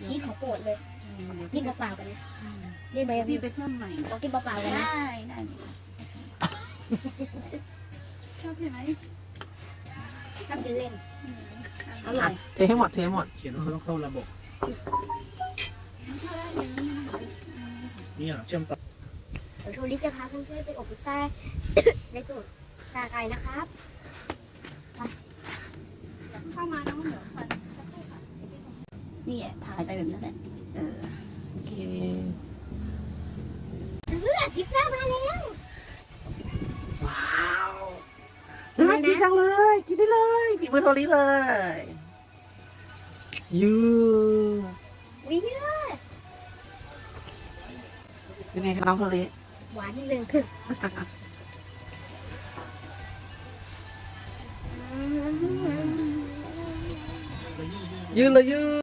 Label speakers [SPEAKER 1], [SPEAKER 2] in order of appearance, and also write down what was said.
[SPEAKER 1] ชีสของโปรดเลยกินเปล่าๆกันนะนี่ใบ
[SPEAKER 2] พี่ไปเพิ่มใหม่
[SPEAKER 1] ขอกินเปล่าๆกันนะ
[SPEAKER 2] ได้ชอบใช่ไหม
[SPEAKER 1] ทำกินเล่นอร่อย
[SPEAKER 3] เทให้หมด
[SPEAKER 4] เขียนว่าเขาต้องเข้าระบบนี่เชื่อมต่อ
[SPEAKER 1] เดี๋ยวโทริจะพาเพื่อนๆไปอบพิซซ่า ในสูตรชาไทยนะครับ
[SPEAKER 2] เข้ามาน้องเหนือฟันนี่ถ่ายไปแบบนั้นแหละ
[SPEAKER 3] โอเค
[SPEAKER 1] เพื่อนพิซซ่ามาแล้ว
[SPEAKER 3] ว้าวน่ากินจังเลยกินได้เลยฝีมือโทริเลยยู
[SPEAKER 1] วิเยอะ
[SPEAKER 3] เป็นไงคะน้องโทริ
[SPEAKER 1] หวานนิดนึง
[SPEAKER 3] ยืนเลยยืน